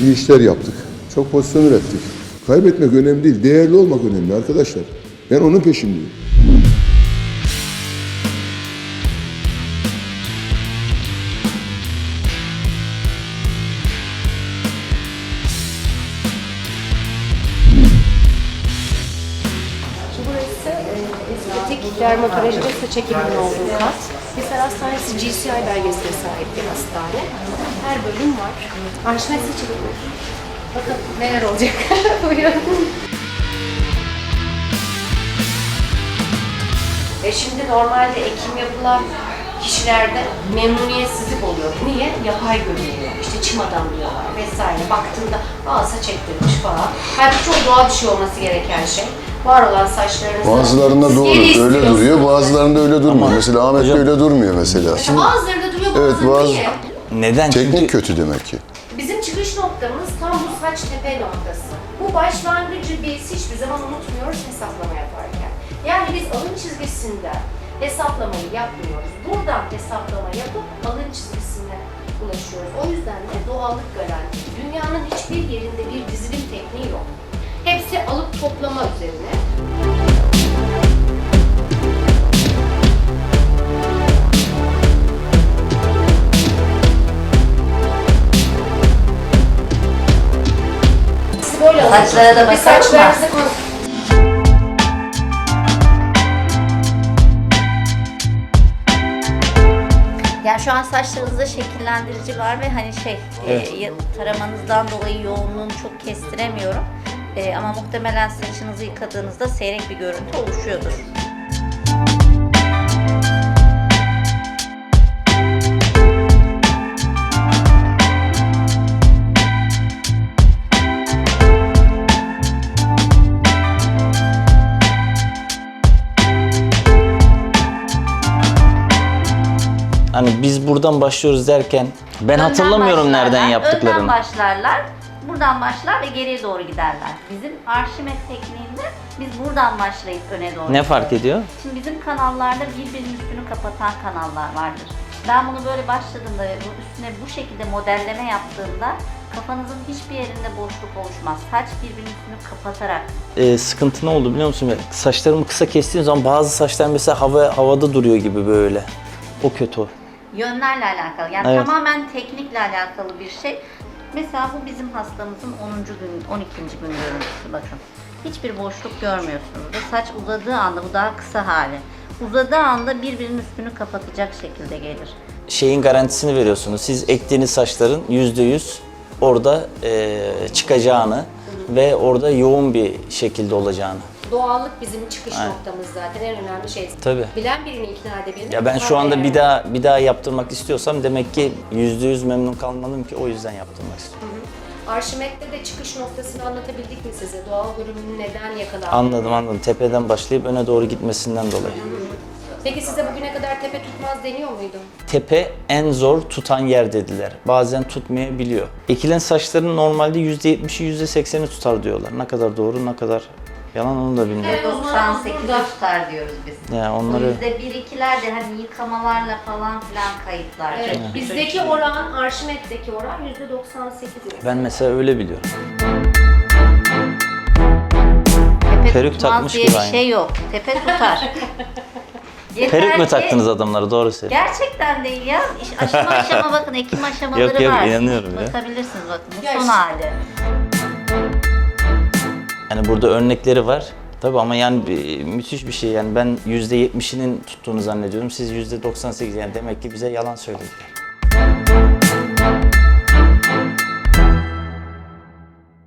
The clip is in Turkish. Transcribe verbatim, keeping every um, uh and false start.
iyi işler yaptık. Çok pozisyon ürettik. Kaybetmek önemli değil, değerli olmak önemli arkadaşlar. Ben onun peşindeyim. Burası e, estetik dermatoloji ve saç ekiminin olduğu kat. Hisar Hastanesi G C I belgesine sahip bir hastane. Her bölüm var. Arşimet seçilimi. Bakın neler olacak. Buyurun. E şimdi normalde ekim yapılan kişilerde memnuniyetsizlik oluyor. Niye? Yapay görünüyor. İşte çim adam diyorlar vesaire. Baktığında aa saç ektirmiş falan. Halbuki çok doğal bir şey olması gereken şey. Var olan saçlarınızı Bazılarında siz doğru, geri öyle istiyorsunuz. duruyor, bazılarında öyle durmuyor. Mesela Ahmet'te öyle durmuyor mesela. Bazılarında duruyor, Evet, bazılarında bazı- niye? Neden? Teknik Çünkü kötü demek ki. Bizim çıkış noktamız tam bu saç tepe noktası. Bu başlangıcı biz hiçbir zaman unutmuyoruz hesaplama yaparken. Yani biz alın çizgisinden hesaplamayı yapmıyoruz. Buradan hesaplama yapıp alın çizgisine ulaşıyoruz. O yüzden de doğallık garanti. Dünyanın hiçbir yerinde bir dizilim tekniği yok. Hepsi alıp toplama üzerine. Siz böyle Saçlara da alın. Bir bakalım mı? saçlarınızı kon- Yani şu an saçlarınızda şekillendirici var ve hani şey Evet. e, taramanızdan dolayı yoğunluğunu çok kestiremiyorum. E, ama muhtemelen saçınızı yıkadığınızda seyrek bir görüntü oluşuyordur. hani biz buradan başlıyoruz derken ben Önden hatırlamıyorum nereden başlarlar, yaptıklarını. Önden başlarlar, buradan başlar ve geriye doğru giderler. Bizim Arşimet tekniğinde biz buradan başlayıp öne doğru Ne gidiyoruz. fark ediyor? Şimdi bizim kanallarda birbirinin üstünü kapatan kanallar vardır. Ben bunu böyle başladığımda ve bu üstüne bu şekilde modelleme yaptığımda kafanızın hiçbir yerinde boşluk oluşmaz. Saç birbirinin üstünü kapatarak. Ee, sıkıntı ne oldu biliyor musun? Ya, saçlarımı kısa kestiğim zaman bazı saçlar mesela hava havada duruyor gibi böyle. O kötü o. Yönlerle alakalı. Yani Evet. tamamen teknikle alakalı bir şey. Mesela bu bizim hastamızın onuncu gün, on ikinci gün görüntüsü bakın. Hiçbir boşluk görmüyorsunuz. Ve saç uzadığı anda, bu daha kısa hali. Uzadığı anda birbirinin üstünü kapatacak şekilde gelir. Şeyin garantisini veriyorsunuz. Siz ektiğiniz saçların yüzde yüz orada e, çıkacağını ve orada yoğun bir şekilde olacağını. Doğallık bizim çıkış Aynen. noktamız zaten en önemli şey. Tabii. Bilen birini ikna edebilir. Ya ben şu anda bir daha bir daha yaptırmak istiyorsam demek ki yüzde yüz memnun kalmalıyım ki o yüzden yaptırmak istiyorum. Arşimet'te de çıkış noktasını anlatabildik mi size? Doğal görünümün neden yakalandığını? Anladım anladım. Tepeden başlayıp öne doğru gitmesinden dolayı. Peki size bugüne kadar tepe tutmaz deniyor muydu? Tepe en zor tutan yer dediler. Bazen tutmayabiliyor. Ekilen saçların normalde yüzde yetmişi yüzde sekseni tutar diyorlar. Ne kadar doğru ne kadar yalan onu da bilmiyorum. doksan sekiz tutar diyoruz biz. Ya O onları yüzde bir ikiler de hani yıkamalarla falan filan kayıtlar. Evet. Bizdeki oran, Arşimet'teki oran yüzde doksan sekiz. ben mesela öyle biliyorum. Tepe Peruk tutmaz takmış diye gibi bir aynı. şey yok. Tepe tutar. Yeter Peruk mu ki- taktınız adamlara doğru söyle. Gerçekten değil ya. İş- Aşama aşama bakın ekim aşamaları Yok, yok, var. inanıyorum ya. Bakabilirsiniz bakın bu Ya son işte- hali. Yani burada örnekleri var. Tabii ama yani bir- müthiş bir şey yani ben yüzde yetmişinin tuttuğunu zannediyorum. Siz yüzde doksan sekiz yani demek ki bize yalan söylediler.